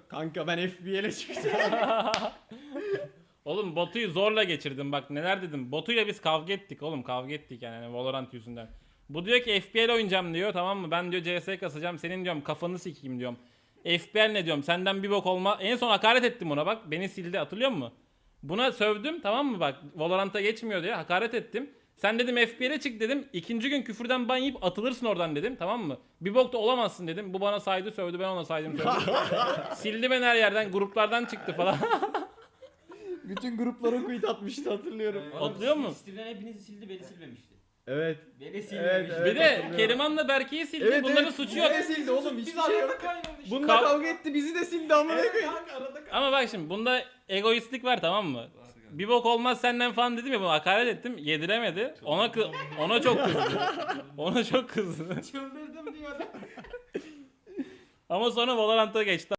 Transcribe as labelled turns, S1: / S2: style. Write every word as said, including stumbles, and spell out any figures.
S1: Kanka ben F B L'e çıkacağım.
S2: Oğlum Batu'yu zorla geçirdim bak neler dedim. Batu'yla biz kavga ettik oğlum kavga ettik yani hani Valorant yüzünden. Bu diyor ki F B L oynayacağım diyor tamam mı? Ben diyor C S kasacağım senin diyorum kafanı sikeyim diyorum. F B L ne diyorum senden bir bok olma. En son hakaret ettim ona bak beni sildi hatırlıyor musun? Buna sövdüm tamam mı bak Valorant'a geçmiyor diye hakaret ettim. Sen dedim F B L'e çık dedim. İkinci gün küfürden ban yiyip atılırsın oradan dedim tamam mı? Bir bok da olamazsın dedim. Bu bana saydı sövdü ben ona saydım sövdü. Sildi beni her yerden gruplardan çıktı falan.
S1: Bütün gruplara quit atmıştı hatırlıyorum.
S2: Hatırlıyor musun?
S3: Steam'den hepinizi sildi, beni silmemişti.
S1: Evet.
S3: Beni silmemişti.
S1: evet.
S2: Bir de Keriman'la Berke'yi sildi.
S1: Evet,
S2: Bunların
S1: evet.
S2: suçu yok.
S1: Bizi de sildi oğlum hiçbir
S4: Biz
S1: şey yok.
S4: arada kaynamış.
S1: Bununla
S2: Kav-
S1: kavga etti bizi de sildi amına
S4: Evet
S1: koyayım.
S4: kanka arada kaynamış.
S2: Ama bak şimdi bunda egoistlik var tamam mı? Bir bok olmaz senden falan dedim ya bunu hakaret ettim. Yediremedi. Ona kı- ona çok kızdı. Ona çok kızdı.
S4: Çıldırdım diyor.
S2: Ama sonra Valorant'a geçti.